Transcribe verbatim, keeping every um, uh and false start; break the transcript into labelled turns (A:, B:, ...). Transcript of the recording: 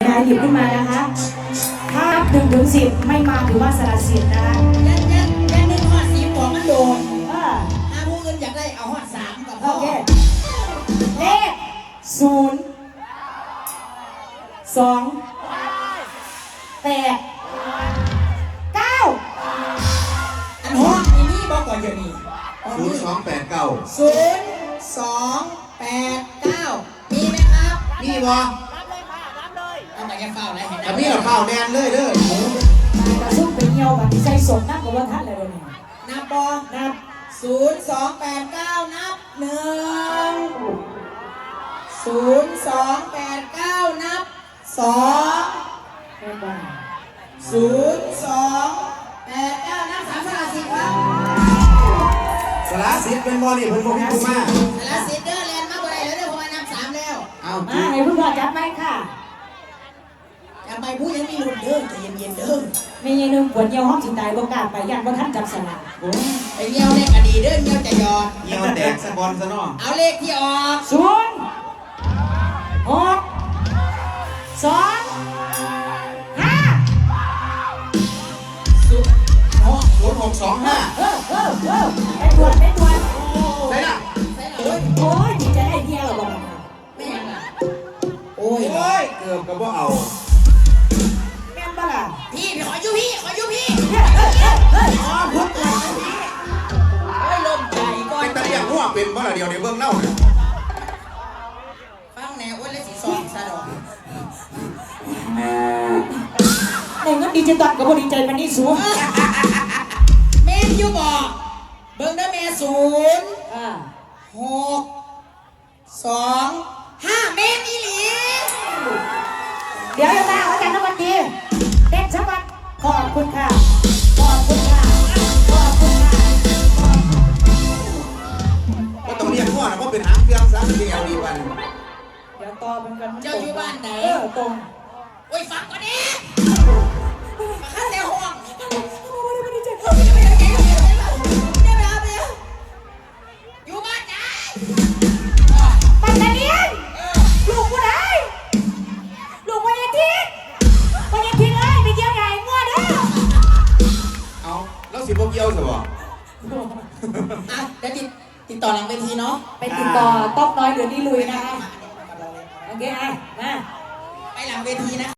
A: นะคะหยิบขึ้นมานะคะถ้าหนึ่งถึงสิบไม่มาถือว่าสละสิทธิ์นะคะ
B: ยันยันยันหนึ่งหอดสีหัวมันโดน
A: เออ
B: ถ้าผู้อื่นอยากได้เอาหอดสามกับพ่
A: โอเคเลขศูนย์สองแปดเก้า
B: อันหอดนี่นี่บอกก่อนเดี๋ยวนี้
C: ศูนย์สองแปดเก้า
B: ศูนย์สองแปดเก้ามีไหมครับ
C: มีบ่
B: รับเลยค่ะรับเลยเอาแต่แกเฝ้าอะไรเห็น
C: อันนี้เราเฝ้าแดนเลยเด้อ
A: ตาซุ่มเป็นเงียวแบบที่ใส่สดนักกว่าท่านเลยเนี่ย
B: นับบอนับศูนย์สองแปดเก้านับหนึ่งศูนย์สองแปดเก้านับสองศูนย์สองแปดเก้านับสามสละสิบครับ
C: สละสิบเป็นบอลนี่เพิ่นบอกให้กูมา
B: สละสิบเด้อแลนด์มากกว่าไรแล้วเด้อพอนับสามแล้ว
C: เอา
A: มาให้คุณพ่อจับไหมค่ะ
B: จับไปผู้ยังมีลุ้นเด้อใจเย็นๆเด้อ
A: ไม่ยังนึงปวดเยี่ยวห้องสิตายบ่กล้าไปยันบ่ท่านจับสลาก
B: ไอ้เงี้ยวเลขอดีเด้อเงี้ยวจะยอด
C: เงี้ยวแตกสะบอลซะเนาะ
B: เอาเลขที่ออก
A: ศูนย์หกสองห้า
C: ศูนย์หกศูนย์หกสองห้า
A: เออเออเออไปตรวจไปตรวจ
C: ใช่ล่ะ
B: โอ้ย
A: โอ้ยจะได้เดียวหรอบ้าง
B: ไม่ยังล่ะโอ้ย
C: โอ้ยเกือบกับว่าเอา
A: แม่นบ้าล่ะ
B: พี่พี่ขออยู่พี่ขออยู่พี่
A: เฮ้ยเฮ้ยเฮ้ย
B: อ๋อพุทธเลยพี่โอ้ยลมใจก่อน
C: เป็นตะเลียงหัวเป็นบ่ล่ะเดียวเดี๋ยวเบิ่งเล่าเนี่ย
B: ฟังแนวอ้วนและสีซองซะดอก
A: ในเงินดิจิตอลกับบริใจมันนี่สูง
B: แม่ยูบอกเบิ่งได้แม่ศูนย์หกสองห้าเมตรอีหลี
A: เดี๋ยวจะมาอาจารย์นวัดดีเด็กชักวันขอบคุณค่ะขอบคุณค่ะขอบคุณค่ะ
C: ก็ต้องเรียกหัวนะเพราะเป็นหางเครื่องซะเดียวดีวัน
A: เดี๋ยวต่อเป็นกัน
B: เจ้าอยู่บ้านไหน
A: เออตรง
B: โอ้ยฟังก่อนดิมาขั้นในห้องอยู่บ้านไหน
A: ปัตตานีลูกผู้ใดลูกวันยาทิตวันยาทิตเลยไปเกี่ยวใหญ่งัวเด้อ
C: เอาแล้วสิบโมงเกี่ยวสิบ่
B: อ่ะเดี๋ยวติดติดต่อหลังเวทีเนาะ
A: ไปติดต่อต๊อกน้อยหรือนี่ลุยนะคะโอเคอ่ะมา
B: ไปหลังเวทีนะ